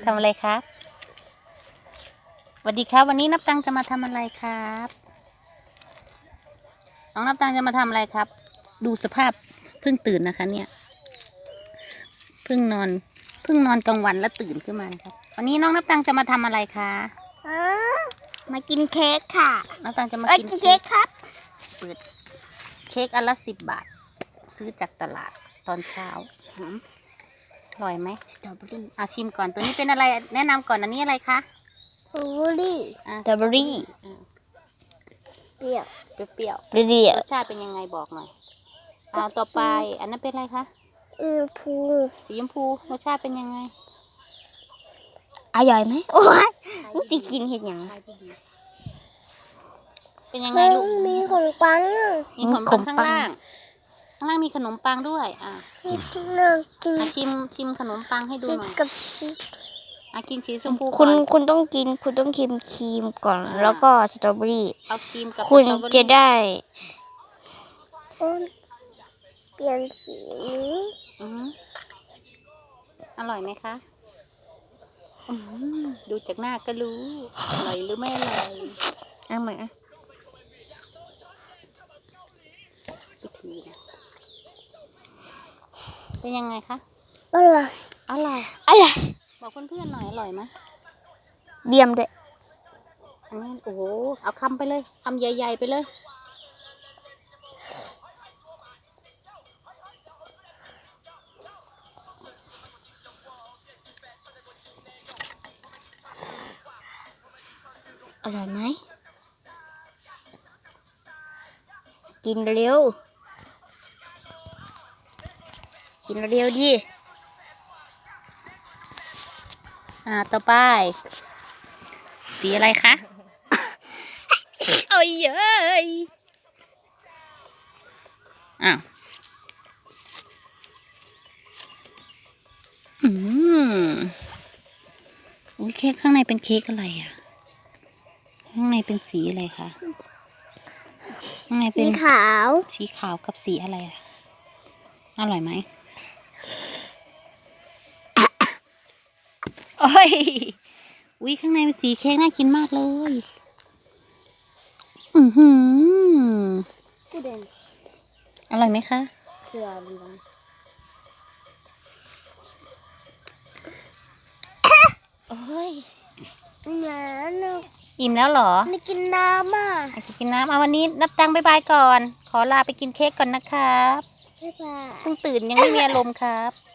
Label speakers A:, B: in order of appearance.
A: ำอะไรครับสวัสดีครับวันนี้นับตังจะมาทำอะไรครับน้องนับตังจะมาทำอะไรครับดูสภาพเพิ่งตื่นนะคะเนี่ยเพิ่งนอนกลางวันแล้วตื่นขึ้นมาครับวันนี้น้องนับตังจะมาทำอะไรคะ
B: มากินเค้กค่ะ
A: นับตังจะมากิน
B: เค้กครับ
A: เปิดเค้กอันละ10 บาทซื้อจากตลาดตอนเช้าอร่อยไหม
B: สตรอเบอรี่
A: ชิมก่อนตัวนี้เป็นอะไรแนะนำก่อนอันนี้อะไรคะ
B: สตรอเบอรี่สตรอเบอรี่เปรี้ยว
A: เปรี้ยวรสชาติเป็นยังไงบอกหน่อยต่อไปอันนั้นเป็นอะไรคะสีชมพูรสชาติเป็นยังไง
B: อร่อยไหมโอ้ยนี่สิกินเห็ดหยัง
A: เป็นยังไงลูก
B: มีขนมปัง
A: ข้างล่างมีขนมปังด้วยชิมขนมปังให้ดูหน่อย
B: กับชีส
A: กินสีชมพูก่อน
B: คุณต้องกินครีมก่อนแล้วก็สตรอเบอรี่
A: เอาครีมกับ
B: คุณจะได้เปลี่ยนสี
A: อร่อยไหมคะดูจากหน้าก็รู้อร่อยหรือไม่อร่อย
B: เอามา
A: เป็นยังไงคะ
B: อร่อย
A: บอกเพื่อนๆหน่อยอร่อยไหม
B: เดียมด้วย
A: อันนี้โอ้โหเอาคำไปเลยคำใหญ่ๆไปเลย
B: อร่อยไหมกินเร็วดิ
A: ต่อไปสีอะไรคะโอ้ยเย้ยเค้กข้างในเป็นเค้กอะไรข้างในเป็นสีอะไรคะข้างในเป็นสีขาวกับสีอะไรอร่อยไหมโอ้ยข้างในเป็นสีเค้กน่ากินมากเลยอร่อยไหมคะ
B: โอ้ย
A: อิ่มแล้วเหรอ
B: ไม่กินน้ำ
A: จะกินน้ำวันนี้นับตังบ๊ายบายก่อนขอลาไปกินเค้กก่อนนะครับ
B: บ๊ายบาย
A: เพิ่งตื่นยังไม่มีอารมณ์ครับ